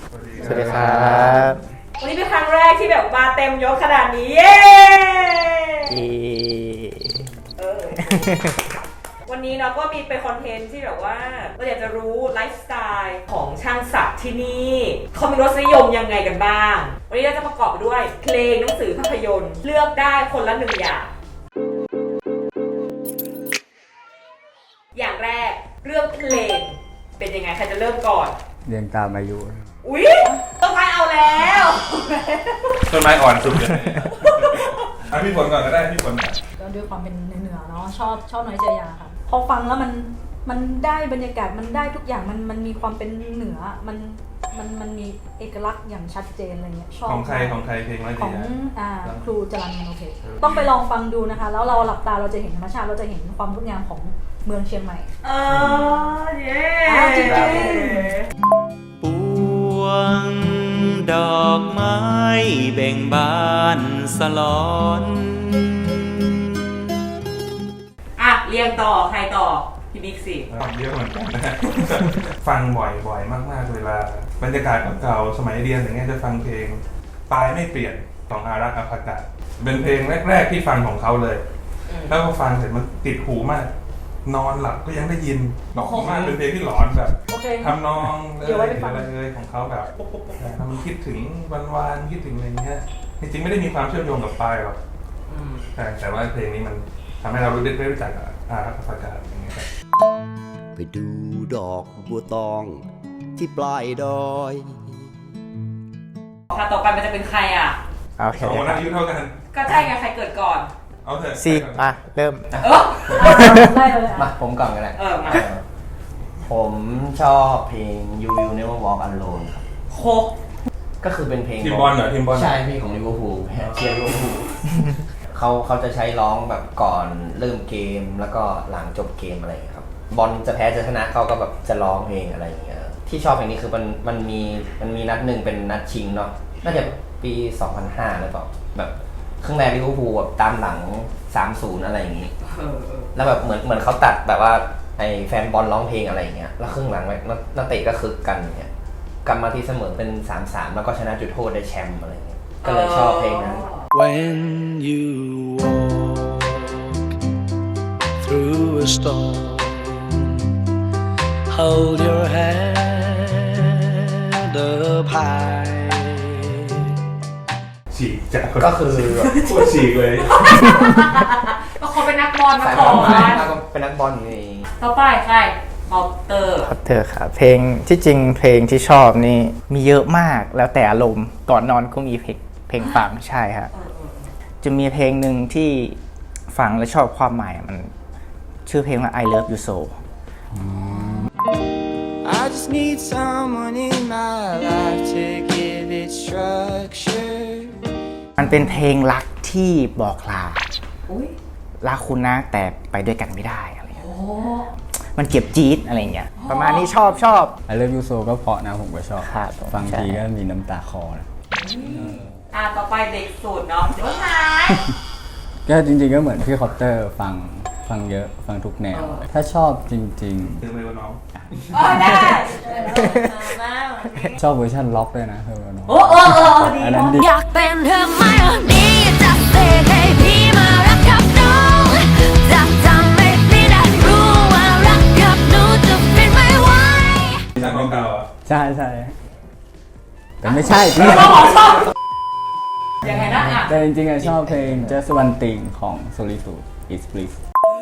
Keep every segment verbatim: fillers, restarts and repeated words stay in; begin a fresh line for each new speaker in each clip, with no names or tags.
สวัสดีครับ
วันนี้เป็นครั้งแรกที่แบบมาเต็มยศขนาดนี้เย้เออวันนี้เราก็มีเป็นคอนเทนต์ที่แบบว่าเราอยากจะรู้ไลฟ์สไตล์ของช่างศักดิ์ที่นี่เขามีรสนิยมยังไงกันบ้างวันนี้เราจะประกอบไปด้วยเพลงหนังสือภาพยนตร์เลือกได้คนละหนึ่งอย่างอย่างแรกเรื่องเพลงเป็นยังไงใครจะเริ่มก่อน
เรียงตามอายุ
อุ๊ยต้นไม้เอาแล้ว
ต้นไม้อ่อนสุดเลยเอาพี่ฝนก่อนก็ได้พี่ฝน
ก็ด้วยความเป็นเหนือเนาะชอบชอบน้อยใจยาค่ะพอฟังแล้วมันมันได้บรรยากาศมันได้ทุกอย่างมันมันมีความเป็นเหนือมันมันมันมีเอกลักษณ์อย่างชัดเจนอะไรเงี้ยชอบ
ของใครของใครเพลงน้อยใจ
ของอ่าครูจรัญมโนเพชรต้องไปลองฟังดูนะคะแล้วเราหลับตาเราจะเห็นธรรมชาติเราจะเห็นความงดงามของเมืองเชียงใหม่
เออเย้
จริง
ปวงดอกไม้เบ่งบานสลอน
อ่ะเรียงต่อใครต่อพี่บิ๊กสิ
ฟังเยอะเหมือนกันนะฟังบ่อยบ่อยมากๆเวลาบรรยากาศเก่าๆสมัยเรียนอย่างเงี้ยจะฟังเพลงตายไม่เปลี่ยนของอารักษ์อภากาศเป็นเพลงแรกๆที่ฟังของเขาเลยแล้วพอฟังเสร็จมันติดหูมากนอนหลับก็ยังได้ยินหลอนมากเป็นเพลงที่หลอนแบบทำนองอะไรอะไรเลยของเขาแบบมันคิดถึงวันวานคิดถึงอะไรเงี้ยจริงๆไม่ได้มีความเชื่อมโยงกับปลายหรอกแต่แต่ว่าเพลงนี้มันทำให้เรารู้ได้รู้จักอารักษ์อภากาศอย่างเงี้ยครับ
ไปดูดอกบัวตองที่ปลายดอย
ค่ะต่อไปมันจะเป็นใครอ่ะ
โอเค
สองคนอายุเท่ากัน
ก็ใช่ไงใครเกิดก่อน
เอาเถอะ
ซีมาเริ่ม
เออ
มาผมก่อนกันแหละ
เออมา
ผมชอบเพลง You Will Never Walk Alone ครับ
โค
ก็คือเป็นเพลง
ทีมบอลเหรอทีมบอล
ใช่เพลงของลิเวอร์พูลเชียร์ลิเวอร์พูลเขาเขาจะใช้ร้องแบบก่อนเริ่มเกมแล้วก็หลังจบเกมอะไรอย่างเงี้ยครับบอลจะแพ้จะชนะเขาก็แบบจะร้องเพลงอะไรอย่างเงี้ยที่ชอบเพลงนี้คือมันมันมีมันมีนัดหนึ่งเป็นนัดชิงเนาะน่าจะปีสองพันห้าหรือเปล่าแบบครึ่งแรกลิเวอร์พูลแบบตามหลัง สามศูนย์ อะไรอย่างงี้แล้วแบบเหมือนเหมือนเขาตัดแบบว่าไอ้แฟนบอลร้องเพลงอะไรอย่างเงี้ยแล้วครึ่งหลังนักเตะก็คึกกันอย่างเงี้ยกลับมาที่เสมอเป็น สามสาม แล้วก็ชนะจุดโทษได้แชมป์อะไรอย่างเงี้ยก็เลยชอบเพลงนั้น
When you walk through a storm Hold your head up high
ฉีกจาก
ก็คือ
ปวดฉีกเลย
ก็เขาเป็นนักบอลมาก่อน
เป็นนักบอลนี่
ต่อไปใครพอตเตอร์
พอตเตอร์ค่ะเพลงที่จริงเพลงที่ชอบนี่มีเยอะมากแล้วแต่อารมณ์ก่อนนอนก็มีเพลงเพลงฟังใช่ครับจะมีเพลงหนึ่งที่ฟังแล้วชอบความหมายมันชื่อเพลงว่า I Love You So
I just need someone in my life to give it structure
มันเป็นเพลงรักที่บอกลารักคุณนะแต่ไปด้วยกันไม่ได้อะไรเงี้ยมันเก็บจี๊ดอะไรเงี้ยประมาณนี้ชอบชอบ
I Love You So ก็เพราะนะผมก็ชอบฟังทีก็มีน้ำตาคอนะ
อ่ะต่อไปเด็กสุดเนาะเดี๋ยวหาย
ก็จริงๆก็เหมือนพี่คอปเตอร์ฟังฟังเยอะฟังทุกแนวถ้าชอบจริงๆ
คือไม่ว่าน้อง
อ๋อได้
ชอบเวอร์ชันล็อกด้วยนะเธอน้อง
โอ้โอ้โอ้ดีอันนั้นดี
อยากเป็นเธอไม่ดีจะเสกให้พี่มารักกับน้องจะทำให้พี่ได้รู้ว่ารักกับหนูจะเป็นไม่ไหว
ใช่ของเก่าอ่ะ
ใช่ใช่แต่ไม่ใช่
พี่ยังไงนะอ่ะ
แต่จริงๆชอบเพลง Just One Thing ของ Solitude Is Bliss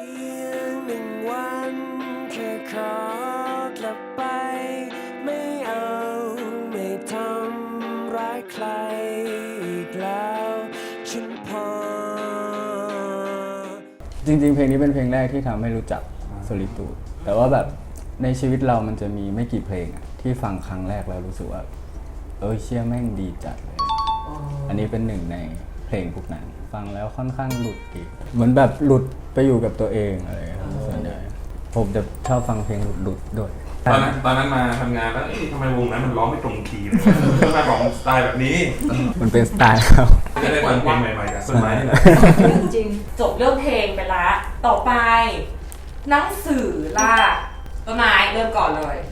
จริงๆเพลงนี้เป็นเพลงแรกที่ทำให้รู้จัก Solitude แต่ว่าแบบในชีวิตเรามันจะมีไม่กี่เพลงที่ฟังครั้งแรกแล้วรู้สึกว่าเออเชี่ยแม่งดีจัดเลยอันนี้เป็นหนึ่งในเพลงพวกนั้นฟังแล้วค่อนข้างหลุดอีกเหมือนแบบหลุดไปอยู่กับตัวเองอะไรส่วนใหญ่ผมจะชอบฟังเพลงหลุดๆด้วย
ตอนนั้นตอนนั้นมาทำงานแล้วทำไมวงนั้นมันร้องไม่ตรงคีย์ต้องมาร้องสไตล์แบบนี้
มันเป็นสไตล์ครับ
จะได้ฟังเพลงใหม่ๆจากต้นไม้นี่แหละ
จริงจบเรื่องเพลงไปละต่อไปหนังสือล่ะต้นไม้เริ่มก่อนเลย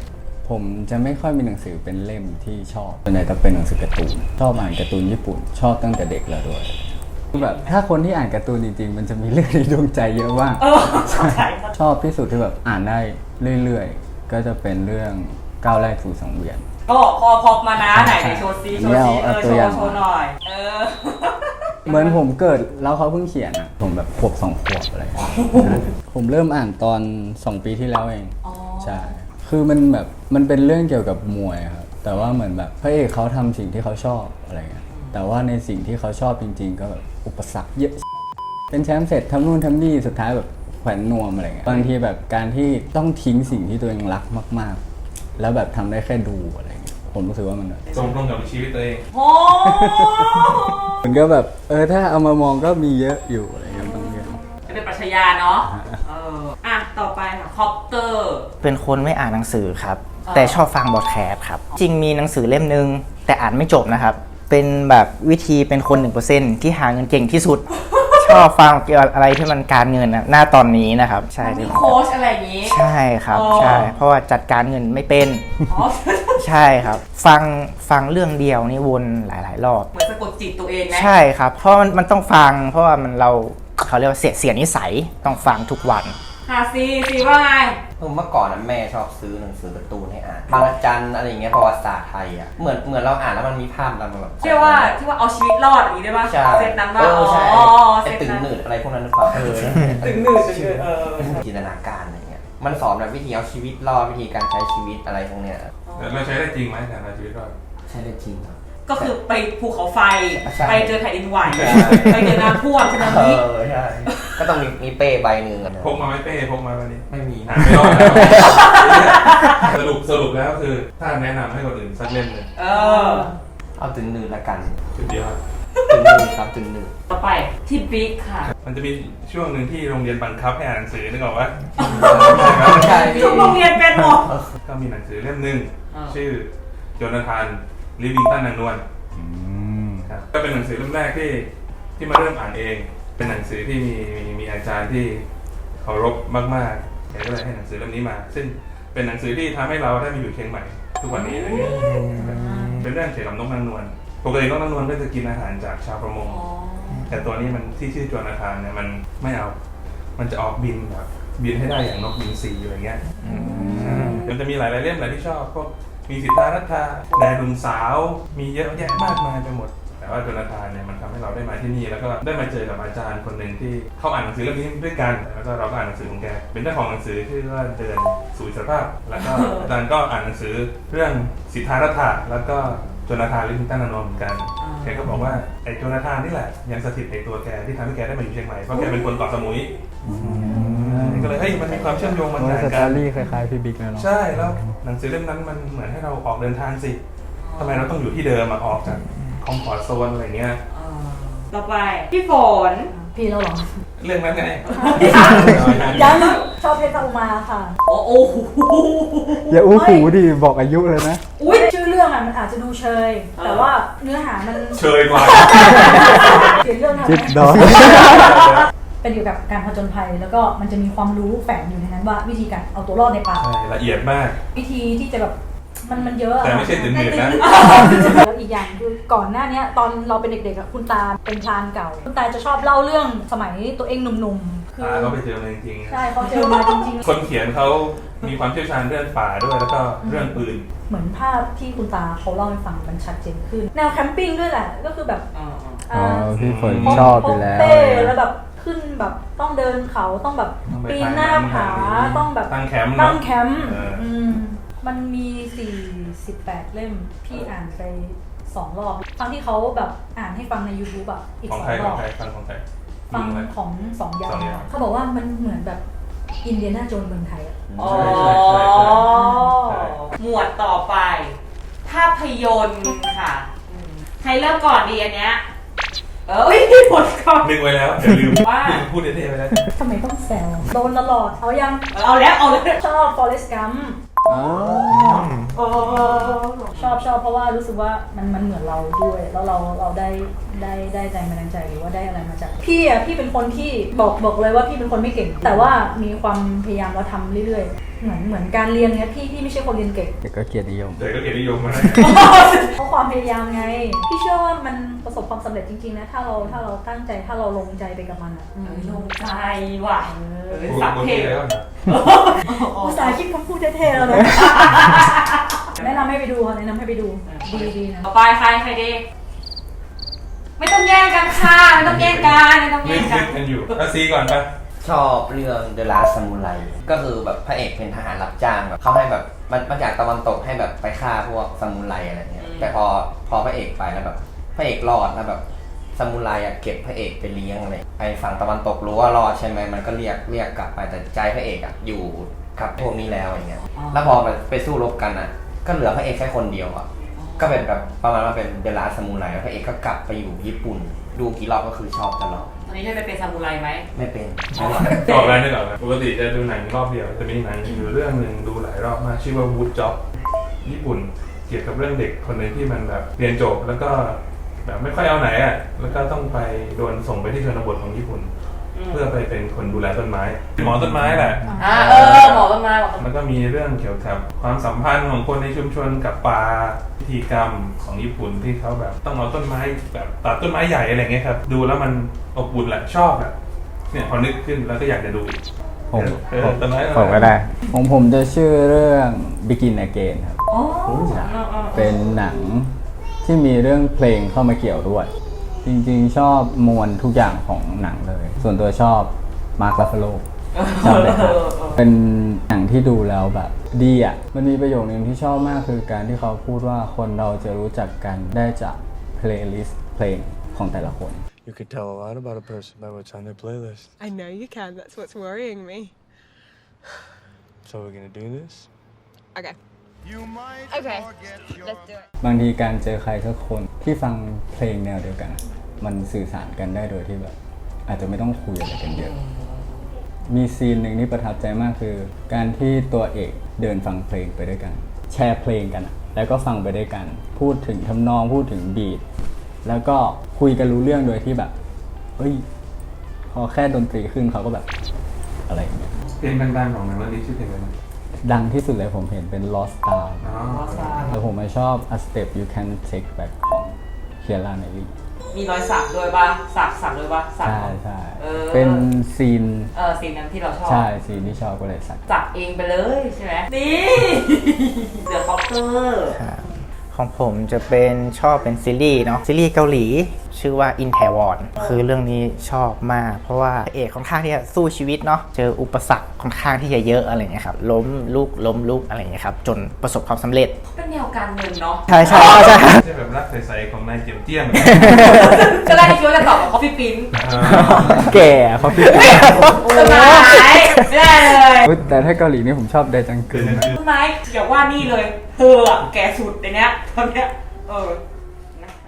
ผมจะไม่ค่อยมีหนังสือเป็นเล่มที่ชอบส่วนใหญ่จะเป็นหนังสือการ์ตูนชอบอ่านการ์ตูนญี่ปุ่นชอบตั้งแต่เด็กแล้วด้วยคือแบบถ้าคนที่อ่านการ์ตูนจริงๆมันจะมีเรื่องในดวงใจเยอะมาก
เออเข้าใจ
ชอบที่สุดที่แบบอ่านได้เรื่อยๆก็จะเป็นเรื่องก้าวแรกสู่สังเวียน
ก็พอพอมานะไหนไหนโชว์ซีโชว์ซีเออโชว์โชว์หน่อยเออ
เหมือนผมเกิดแล้วเขาเพิ่งเขียนอ่ะผมแบบขวบสองขวบอะไรผมเริ่มอ่านตอนสองปีที่แล้วเองใช่คือมันแบบมันเป็นเรื่องเกี่ยวกับมวยครับแต่ว่าเหมือนแบบพระเอกเขาทำสิ่งที่เขาชอบอะไรเงี้ยแต่ว่าในสิ่งที่เขาชอบจริงๆก็แบบอุปสรรคเยอะเป็นแชมป์เสร็จทำนู่นทำนี่สุดท้ายแบบแขวนนวมอะไรเงี้ยบางทีแบบการที่ต้องทิ้งสิ่งที่ตัวเองรักมากๆแล้วแบบทำได้แค่ดูอะไรเงี้ยผมรู้สึกว่ามัน
ตรงตรงกับชีวิตตัวเอง
โอ้
มันก็แบบเออถ้าเอามามองก็มีเยอะอยู่อะไรเงี้ยบางอย่าง
เป็นปรัชญาเนาะเอออ่ะต่อไปค่ะคอปเตอร์
เป็นคนไม่อ่านหนังสือครับ
อ๋อ
แต่ชอบฟังบอดแคสต์ครับ จริงมีหนังสือเล่มนึง แต่อ่านไม่จบนะครับ เป็นแบบวิธีเป็นคน หนึ่งเปอร์เซ็นต์ ที่หาเงินเก่งที่สุด ชอบฟังเกี่ยวกับอะไรที่มันการเงินนะหน้าตอนนี้นะครับ ใช่
มีโค้ชอะไรอย่างนี้
ใช่ครับ
อ๋อ
ใช่เพราะว่าจัดการเงินไม่เป็น
อ๋อ
ใช่ครับ ฟังฟังเรื่องเดียวนี่วนหลายๆรอบ
เหมือนสะกดจิตตัวเองนะ
ใช่ครับ เพราะมันมันต้องฟัง เพราะว่ามันเราเขาเรียกว่าเสียเสียนิสัยต้องฟังทุกวัน
หาซีซีว่าไง
เมื่อก่อนนะแม่ชอบซื้อหนังสือการ์ตูนให้อ่านบางระจันอะไรอย่างเงี้ยประวัติศาสตร์ไทยอ่ะเหมือนเหมือนเราอ่านแล้วมันมีภาพเราแบบ
เชื่อว่าที่ว่าเอาชีวิตรอดอย่างนี้ได้ป่ะ
ใช่
เซตนั้นว่า
เออใช่
อ๋อ
ไอ้
เซต
ตึง
นั้น
หนืดอะไรพวกนั้นหรือเปล่าเออ
ตึงหนืดตึงหนืดเออ
จินตนาการอะไรเงี้ยมันสอนแบบวิธีเอาชีวิตรอดวิธีการใช้ชีวิตอะไรพวกเนี้ย
เราใช้ได้จริงไหมแต่ในชีวิตเรา
ใช้ได้จริงครับ
ก็คือไปภูเขาไฟ
ใช่
ไปเจอแผ่นดินไหว
ใช่
ไปเจอน้ำท่วมสึนา
เอ
มิ
อใช่ก็ต้องมีมีเป้ใบหนึ่งอะ
พกมาไหม่เป้พกมาวันนี้
ไม่มี
อ่านไม่รอดแล้วสรุปสรุปแล้วคือถ้าแนะนำให้คนอื่นสักเล่มเลย
เออ
เอาตึงหนืดละกัน
สุดยอด
ตึงหนืดครับตึงหนืด
ต่อไปที่บิ๊กค่ะ
มันจะมีช่วงหนึ่งที่โรงเรียนบังคับให้อ่านหนังสือนึกออกปะ
ใช่
ทุกโรงเรียนเป็นหมด
ก็มีหนังสือเล่มหนึ่ง
อ่า
ชื่อโจนาธานลิวิงตันนางนวลครับก็เป็นหนังสือเล่มแรกที่ที่มาเริ่มอ่านเอง เป็นหนังสือที่มีมีมีอาจารย์ที่เคารพมากๆแกก็เลยให้หนังสือเล่มนี้มา ซึ่งเป็นหนังสือที่ทำให้เราได้มาอยู่เชียงใหม่ทุกวันนี้อะไรเงี้ยเป็นเรื่องเกี่ยวกับนกนางนวลปกตินกนางนวลก็จะกินอาหารจากชาวประมง แต่ตัวนี้มันที่ชื่อโจนาธานเนี่ยมันไม่เอา มันจะออกบินแบบบินให้ได้อย่างนกบินสีอะไรเงี้ยมันจะมีหลายๆเล่มหลายที่ชอบพวกมีสิทธารัตถาแดนดุมสาวมีเยอะแยะมากมายไปหมด แต่ว่าโจนาธานเนี่ยมันทำให้เราได้มาที่นี่แล้วก็ได้มาเจอกับอาจารย์คนหนึ่งที่เขาอ่านหนังสือเล่มนี้ด้วยกันแล้วก็เราก็อ่านหนังสือของแกเป็นเจ้าของหนังสือชื่อว่าเดินสู่อิสรภาพแล้วก็อาจารย์ก็อ่านหนังสือเรื่องสิทธารัตถาแล้วก็โจนาธานลิวิงตันนางนวลเหมือนกันแกก็บอกว่าไอ้โจนาธานนี่แหละยังสถิตในตัวแกที่ทำให้แกได้มาอยู่เชียงใหม่เพราะแกเป็นคนเกาะสมุยก็เลยเฮ้ยมันมีความเชื่อมโยงมัน
โอ้
ต่าง
ส
กั
ตอน รี่คล้ายๆพี่บิ๊กนะเนาะ
ใช่แล้วหนังสือเล่มนั้นมันเหมือนให้เราออกเดินทางสิทำไมเราต้องอยู่ที่เดิมมาออกจากคอมฟอร์ตโซนอะไรเงี้ย
ต่อไปพี่ฝน
พี่แล้วเหรอ
เรื่องนั้นไง
ยังชอบเพชรอุมาค่ะ
โอ้โห
อย่าอู้หูดิบอกอายุเลยนะ
อุ้ยชื่อเรื่องอ่ะมันอาจจะดูเชย แต่ว่าเนื้อหามัน
เชยกว่า
เขียนเรื่องทำไม
จิ๊บดอย
เป็นเกี่ยวกับการผจญภัยแล้วก็มันจะมีความรู้แฝงอยู่ในนั้นว่าวิธีการเอาตัวรอดในป่า
ใช่ละเอียดมาก
วิธีที่จะแบบมันมันเยอะอะ
แต่ไม่ใช่ตื่นเต้นนะ
แล้วอีกอย่างคือก่อนหน้านี้ตอนเราเป็นเด็กๆอะคุณตาเป็นพรานเก่า คุณตาจะชอบเล่าเรื่องสมัยตัวเองหนุ่มๆคือ
ตาเขาไปเจอมาจริงๆ
ใช่เขาเจอมาจริง
คนเขียนเขามีความเชี่ยวชาญเรื่องป่าด้วยแล้วก็เรื่องปืน
ๆ เหมือนภาพที่คุณตาเขาเล่าให้ฟังมันชัดเจนขึ้น แนวแคมปิ้งด้วยแหละก็คือแบบ
อ๋อพี่ฝนชอบอยู่แล้ว
พกเป้แล้วแบบขึ้นแบบต้องเดินเขาต้องแบบ
ต้องไป
ปีนหน้าผา
ถ่ายรูป
ต้องแบบ
ตั้งแคมป์
ตั้
เนาะ
งแคมป์
เอออื
มมันมีสี่สิบแปดเล่มพี่อ่านไปสองรอบครั้งที่เขาแบบอ่านให้ฟังใน YouTube อ่ะอีก
ของ
สอ
ใครง
ร
ขอ
อง บ
ใครฟังของใคร
ฟัง
มึอะไร
ของสองยา
สองยาม
เขาบอกว่ามันเหมือนแบบอินเดียนาโจนส์เมืองไทยอะ
อ๋อ
ใช่ใช่ใช่ใช่ใช่
หมวดต่อไป ภาพยนตร์ค่ะอืมใครเริ่มก่อนดีอันเนี้ยเอออุ้ยพี่ฝนก่อน
นึกไว้แล้วเดี๋ยวลืม
ว่า
พูดเท่ๆไปแล้ว
ทำไมต้องแซวโดนตลอดเอายัง
เอาแล้วเอาแล้ว
ชอบ Forrest Gump
อ๋อ
โอ้
ชอบชอบเพราะว่ารู้สึกว่ามันมันเหมือนเราด้วย แล้วเราเราได้ได้ได้ใจมาดังใจหรือว่าได้อะไรมาจากพี่อ่ะพี่เป็นคนที่บอกบอกเลยว่าพี่เป็นคนไม่เก่ง แต่ว่ามีความพยายามแล้วทำเรื่อยๆเหมือนเหมือนการเรียนเนี้ยพี่พี่ไม่ใช่คนเรียนเก่ง
แต่ก็เกียรตินิยม
เด็กก็เกียรตินิยมมาได้
เพราะความพยายามไงพี่เชื่อว่ามันประสบความสำเร็จจริงๆนะถ้าเราถ้าเราตั้งใจถ้าเราลงใจไปกับมันอ่ะ
ลงใจว่ะเออสักเพลง
ภาษาคิดคำพูดเท่ๆแล้วนะแนะนำให้ไปดูค่ะแนะนำให้ไปดูดีดีนะ
ต่อไปใครใครดีไม่ต้องแย่งกันค่ะไม่ต้องแย่งกันไม่ต้อง
นึ
แย่
ก
งกั
นึ
น
กกันอยู่อาซีก่อนไป
ชอบเรื่อง The Last Samurai ก็คือแบบพระเอกเป็นทหารรับจ้างแบบเขาให้แบบมันมาจากตะวันตกให้แบบไปฆ่าพวกซามูไรอะไรเงี้ยแต่พอพอพระเอกไปแล้วแบบพระเอกรอดแล้วแบบซามูไรอะเก็บพระเอกไปเลี้ยงอะไรไอ้ฝั่งตะวันตกรู้ว่ารอดใช่ไหมมันก็เรียกเรียกกลับไปแต่ใจพระเอกอะอยู่กับพวกนี้แล้วอย่างเงี้ยแล้วพอไปไปสู้รบกันอะก็เหลือพระเอกแค่คนเดียวอะก็เป็นแบบประมาณว่าเป็น The Last Samurai พระเอกก็กลับไปอยู่ญี่ปุ่นดูกี่รอบก็คือชอบตลอด
ตอนนี้ได้ไปเป็นซามูไรไหม
ไม่เป็น
ตอบแล้วได้ตอบแล้วปกติจะดูหนังรอบเดียวแต่มีหนังอยู่เรื่องหนึ่งดูหลายรอบมากชื่อว่า Wood Job ญี่ปุ่นเกี่ยวกับเรื่องเด็กคนหนึงที่มันแบบเรียนจบแล้วก็แบบไม่ค่อยเอาไหนอ่ะแล้วก็ต้องไปโดนส่งไปที่ชนบทของญี่ปุ่น เพื่อไปเป็นคนดูแลต้นไม้หมอต้นไม้แหละ
อ่าเออหมอต้นไม้บอก
มันก็มีเรื่องเกี่ยวกับความสัมพันธ์ของคนในชุมชนกับป่าพิธีกรรมของญี่ปุ่นที่เขาแบบต้องเอาต้นไม้แบบตัดต้นไม้ใหญ่อะไรเงี้ยครับดูแล้วมันอบอุ่นแหละชอบแบบเนี่ยพอนึกขึ้นแล้วก็อยากจะดู
ผม
เออต้นไม้
ผมก็ได้
ของผมจะชื่อเรื่อง Begin Again ครับ
อ๋อ
เป็นหนังที่มีเรื่องเพลงเข้ามาเกี่ยวด้วย จริงๆชอบมวลทุกอย่างของหนังเลย ส่วนตัวชอบมาร์ค รัฟเฟโลชอบเลยครับเป็นหนังที่ดูแล้วแบบดีอ่ะ มันมีประโยคนึงที่ชอบมากคือการที่เขาพูดว่าคนเราจะรู้จักกันได้จากเพลย์ลิสต์เพลงของแต่ละคน
You could tell a lot about a person by what's on their playlist.
I know you can. That's what's worrying me.
So we're gonna do this?
Okay.
Okay, let's do it.
บางทีการเจอใครสักคนที่ฟังเพลงแนวเดียวกัน มันสื่อสารกันได้โดยที่แบบอาจจะไม่ต้องคุยอะไรกันเยอะ มีซีนหนึ่งที่ประทับใจมากคือ การที่ตัวเอกเดินฟังเพลงไปด้วยกัน แชร์เพลงกัน แล้วก็ฟังไปด้วยกัน พูดถึงทำนองพูดถึงบีทแล้วก็คุยกันรู้เรื่องโดยที่แบบเฮ้ยพอแค่ดนตรีขึ้นเขาก็แบบอะไรอย่างเงี้ย
เพลงดังๆของหนังเรื่องนี้ชื่อเพลงอะไรนะ
ดังที่สุดเลยผมเห็นเป็น Lost Star
อ๋อ
แล้วผมไม่ชอบ A Step You Can Take Back ของ Keira Knightley
มีรอยสักด้วยป่ะสักสักด้วยป่ะสัก
ใช่ใช่
เออ
เป็นซีน
เออซีนนั้นที่เราชอบ
ใช่ซีนที่ชอบก็เลยสัก
สักเองไปเลยใช่ไหมนี่ เดอะคอปเตอร์
ของผมจะเป็นชอบเป็นซีรีส์เนาะซีรีส์เกาหลีชื่อว่า In Taiwan คือเรื่องนี้ชอบมาก เพราะว่าเอกค่อนข้างที่จะสู้ชีวิตเนาะเจออุปสรรคค่อนข้างที่จะเยอะอะไรเงี้ยครับล้มลุกล้มลุกอะไรเงี้ยครับจนประสบความสำเร็จ
เป็นแนวการเงินเนาะ
ใช่ใช่ใช่
ใช่แบบรักใสๆของนายเจียมเจี้ยม
ก็ได้คิดว่าจะตอบกับคอฟฟี่ปิ้น
แก่เขาพี่
ต้นไม้ไม่ได้เลย
แต่ถ้าเกาหลีนี่ผมชอบไดจังกึนนะ
ต้นไม้อย่าว่านี่เลยเธออะแก่สุดในเนี้ยตอนเนี้ยเออนะคะ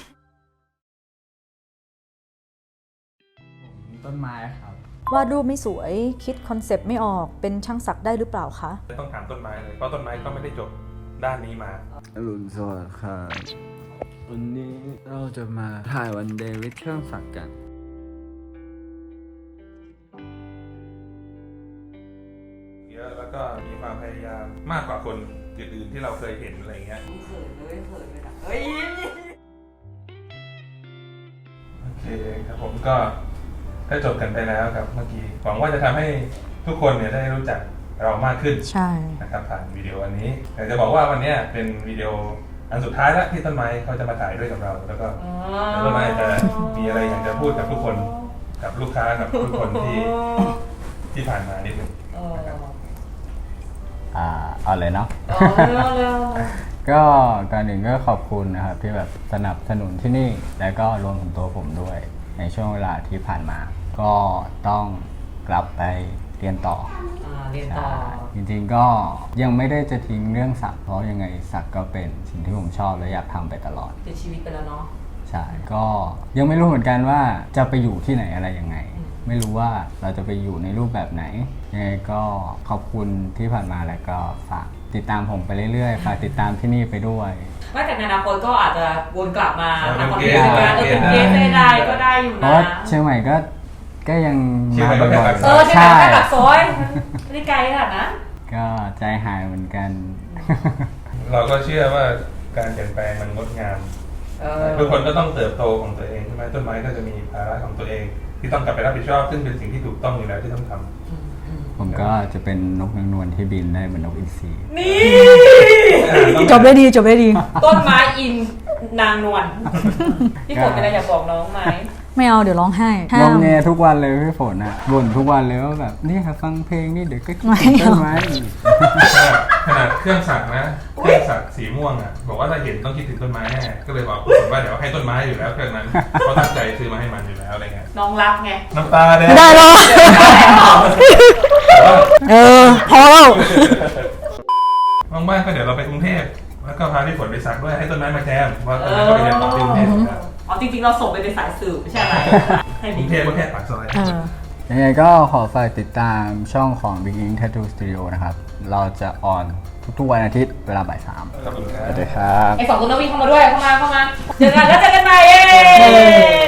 ต้นไม้ครับ
วาดรูปไม่สวยคิดคอนเซปต์ไม่ออกเป็นช่างศักดิ์ได้หรือเปล่าคะ
ต้องถามต้นไม้เลยเพราะต้นไม้ก็ไม่ได้จบด้านนี้มา
อรุณสวัสดิ์ค่ะวันนี้เราจะมาถ่ายวันเดย์วิดเครื่องสักดิ์กัน
เยอะแล้วก็มีความพยายามมากกว่าคนอื่นๆที่เราเคยเห็นอะไรเงี้ย
เขินเลยเขินเลยนะเฮ้ย
โอเคครับผมก็ก็จบกันไปแล้วครับเมื่อกี้หวังว่าจะทำให้ทุกคนเนี่ยได้รู้จักเรามากขึ้น
ใช่
นะครับผ่านวิดีโออันนี้แต่จะบอกว่าวันนี้เป็นวิดีโออันสุดท้ายแล้วที่ต้นไม้เขาจะมาถ่ายด้วยกับเรา แล้วก็แล้วต้นไม้จะมีอะไรอยากจะพูดกับทุกคนกับลูกค้ากับทุกคนที่ที่ผ่านมานิดหนึ่งนะครับ
อ่าเอาเลยเนาะ ก็ก่อนหนึ่งก็ขอบคุณนะครับที่แบบสนับสนุนที่นี่แล้วก็รวมถึงตัวผมด้วยในช่วงเวลาที่ผ่านมา ก็ต้องกลับไปเรียนต่อ
อ่าเรียนต่อ
จริงๆก็ยังไม่ได้จะทิ้งเรื่องสักเพราะยังไงสักก็เป็นสิ่งที่ผมชอบและอยากทำไปตลอด
เป็นชีวิตไปแล้วเนาะ
ใช่ก็ยังไม่รู้เหมือนกันว่าจะไปอยู่ที่ไหนอะไรยังไง ไม่รู้ว่าเราจะไปอยู่ในรูปแบบไหนยังไงก็ขอบคุณที่ผ่านมาแล้วก็ฝากติดตามผมไปเรื่อยๆฝากติดตามที่นี่ไปด้วย
ไม่แต่ในอนาคตก็อาจจะวนกลับมา
เออ
ทำคอน
เป็
เท
น
นต์
เกส
กันเออเป็นเกสได้ก็ได้อยู่
เพ
นะ
ราะว่าเชียงใหม่ก็ก็ยัง
เชียงใหม่
มา
ก็
บ่อย
แค่ปากซ
เออใช่ไหมแค่ปากซอยไม่ได้ไกลขนาดนั้น
ก็ก็ใจหายเหมือนกัน
เราก็เชื่อว่าการเปลี่ยนแปลงมันงดงาม
เออ
ทุกคนก็ต้องเติบโตของตัวเองใช่ไหมต้นไม้ก็จะมีภาระของตัวเอง ที่ต้องกลับไปรับผิดชอบซึ่งเป็นสิ่งที่ถูกต้องอยู่แล้วที่ต้องทำ
ผมก็จะเป็นนกนางนวลที่บินได้เหมือนนกอินทรี
นี่
จบได้ดีจบได้ดี
ต้นไม้อินนางนวลพี่ฝนเป็นอะไรอยากบอกน้องไหม
ไม่เอาเดี๋ยวร้องไห้ห้า
ร้อง
ม
แงทุกวันเลยพี่ฝนอ่ะบ่นทุกวันเลยว่าแบบนี่ค่ะฟังเพลงนี่เดี๋ยวก็คิด
ไม่
ถึง
เอา
ต้นไม้อีก
ขนาดเครื่องสักนะเครื่องสักสีม่วงอ่ะบอกว่าถ้าเห็นต้องคิดถึงต้นไม้แน่ก็เลยบอกผมว่าเดี๋ยวให้ต้นไม้อยู่แล้วเครื่องนั้นเพราะตั้งใจซื้อมาให้มันอยู่แล้วอะไรเงี้ย
น้องรักไง
น้ำตาแดง
ไม่ได้หรอกเออพอแล้ว
ว่างๆก็เดี๋ยวเราไปกรุงเทพแล้วก็พาพี่ฝนไปสักด้วยให้ต้นไม้มาแจมว่าต้นไม้ก็ไปเรียนต่อที่กรุงเทพนะครับ
อ๋อจริงๆเราส่งไปในสายสืบไม่ใช่อะไรให้
กรุงเทพก็แค่ปากซอย
เออ
ยังไงก็ขอฝากติดตามช่องของ Big Ink Tattoo Studio นะครับ เราจะออนทุกๆวันอาทิตย์เวลาบ่ายสาม
ขอบคุณค
ส
รับ
วัสดีครับ
ไอ้สองคนนักวิ่งเข้ามาด้วยเข้ามาเข้ามาเจอกันแล้วเจอกันใหม่เย้